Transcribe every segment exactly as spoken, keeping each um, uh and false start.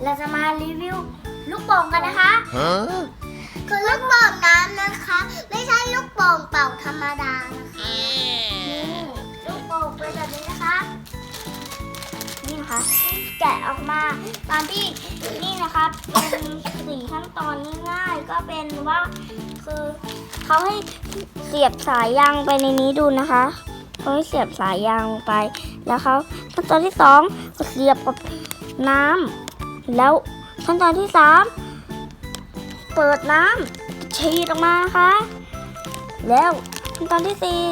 เราจะมารีวิวลูกโป่งกันนะคะคือลูกโป่งน้ำนะคะไม่ใช่ลูกโป่งเป่าธรรมดานะคะนี่ลูกโป่งเป็นแบบนี้นะคะนี่นะคะแกะออกมาตามที่นี่นะคะเป็นสี่ขั้นตอนง่ายๆก็เป็นว่าคือเขาให้เสียบสายยางไปในนี้ดูนะคะเขาให้เสียบสายยางลงไปแล้วเขาขั้นตอนที่สองก็เสียบกับน้ำแล้วขั้นตอนที่สามเปิดน้ำฉีดออกมานะคะแล้วขั้นตอนที่สี่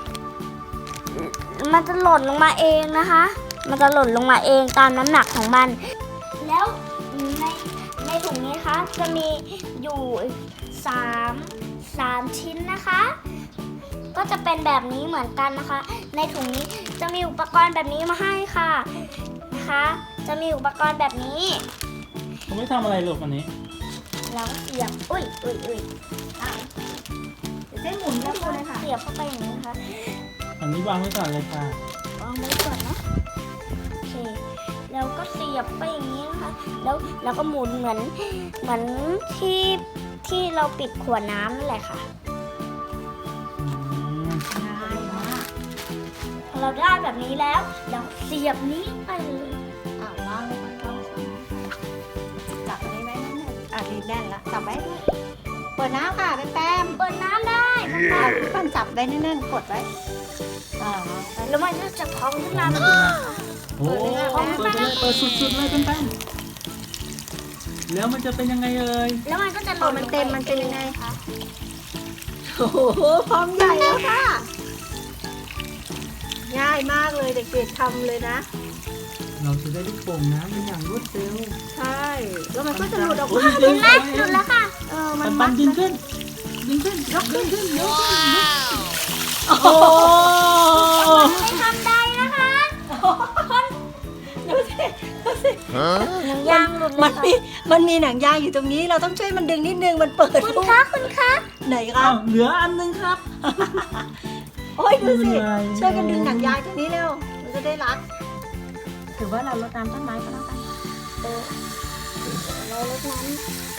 มันจะหล่นลงมาเองนะคะมันจะหล่นลงมาเองตามน้ำหนักของมันแล้วในในถุงนี้นะคะจะมีอยู่สามสามชิ้นนะคะก็จะเป็นแบบนี้เหมือนกันนะคะในถุงนี้จะมีอุปกรณ์แบบนี้มาให้ค่ะนะคะจะมีอุปกรณ์แบบนี้เขาไม่ทำอะไรลูกวันนี้แล้วเสียบอุ้ยอุ้ยอุ้ยเส้นหมุนแล้วเลยค่ะเสียบเข้าไปอย่างนี้นะคะอันนี้วางไว้ก่อนเลยค่ะวางไว้ก่อนนะโอเคแล้วก็เสียบไปอย่างนี้นะคะแล้วแล้วก็หมุนเหมือนเหมือนที่ที่เราปิดขวดน้ำนั่นแหละค่ะง่ายมากเราได้แบบนี้แล้วเราเสียบนี้ไปเลยอ่าวางลงไปก่อนจับอันนี้ไว้นั่นน่ะอ่ะดีแน่นละจับไว้ด้วยเปิดน้ำค่ะเป็นแต้มเปิดน้ำได้อ่ะปั้นจับไว้แน่นๆกดไว้อ่าแล้วมันก็จะพองขึ้นมาแบบโอ้เปิดเลยเปิดสุดๆเลยเป็นแป้งแล้วมันจะเป็นยังไงเอ่ยแล้วมันก็จะพอมันเต็มมันเป็นยังไงคะโอ้โหพร้อมใหญ่แล้วค่ะง่ายมากเลยเด็กๆทำเลยนะเราจะได้ลูกโป่งน้ำเป็นอย่างรวดเร็วใช่แล้วมันก็จะหลุดออกมาดึงแล้วหลุดแล้วค่ะเออมันมัมันดึงขึ้นดึงขึ้นยกขึ้นยกขึ้นโอ้ไม่ทำได้นะคะดูสิดูสิหนังยางหลุดเลมัยนค่ะมีมันมีหนังยางอยู่ตรงนี้เราต้องช่วยมันดึงนิดนึงมันเปิดคุณคะคุณคะไหนครับเหลืออันนึงครับโอ้ยดูสิช่วยกันดึงหนังยางตรงนี้เร็วมันจะได้รัดถือว่าเราลดน้ำต้นไม้ก็แล้วกันเออเราลดน้ำ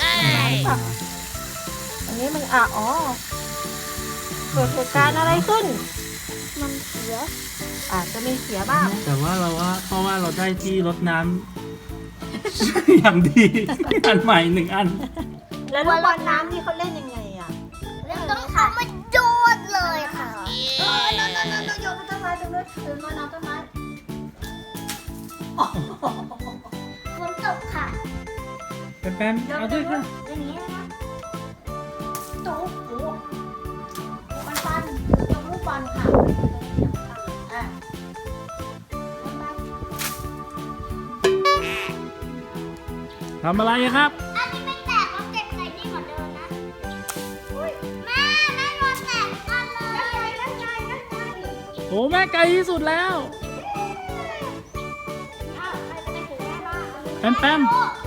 อันนี้มันอ่ะอ๋อเกิดเหตุการณ์อะไรขึ้นมันเสียอาจจะมีเสียบ้างแต่ว่าเราว่าเพราะว่าเราได้ที่รดน้ำอย่างดีอันใหม่หนึ่งอันแล้วลูกบอลน้ำนี่เขาเล่นยังไงอ่ะต้องทำมันโยนเลยค่ะเออโยนโยนโยนโยนต้นไม้ตรงนู้นโยนน้ำต้นไม้ฝนตกค่ะแป้มเอาด้วยค่ะอย่างนี้นะโต๊ะโอ้ปันปันโยนลูกบอลค่ะอ่ะทำอะไรครับอันนี้ไม่แตกแล้วเก็บใส่นี่เหมือนเดิมนะแม่แม่โดนแตกกันเลยนั่นไงนั่นไงนั่นไงโอ้แม่ไกลที่สุดแล้วแป้มแป้ม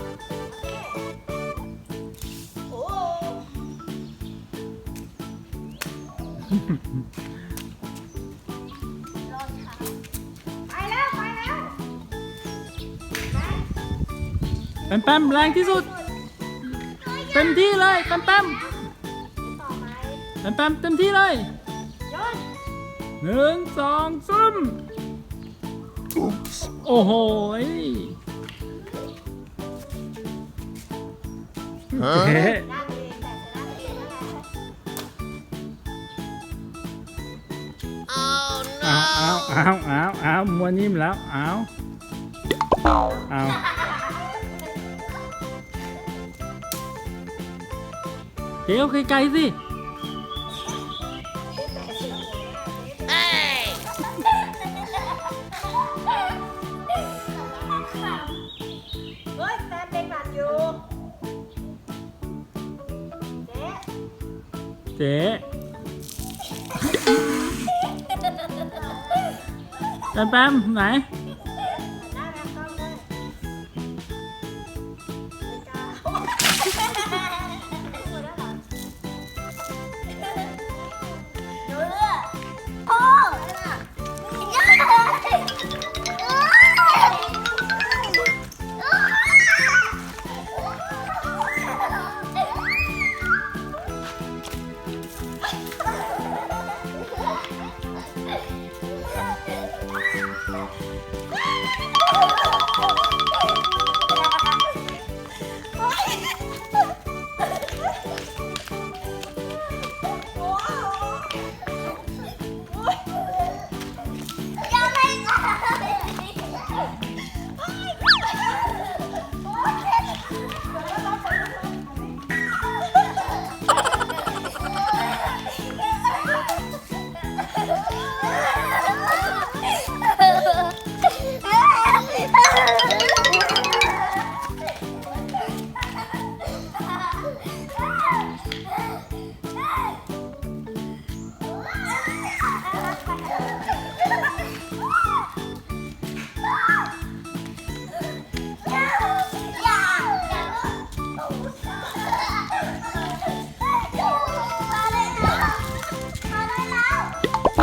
แป้มแป้มแรงที่สุดเต็มที่เลยแป้มแป้มแป้มแป้มเต็มที่เลยหนึ่งสองสามโอ้โหเจ๊เอาเอาเอาเอาเอามัวนิ่มแล้วเอาเอาเดี๋ยวไกลๆสิเฮ้ยแฟนเป็นหวัดอยู่เจ๊เจ๊แป๊มแป๊มไหน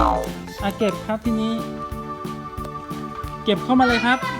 อ่ะเก็บครับทีนี้ เก็บเข้ามาเลยครับ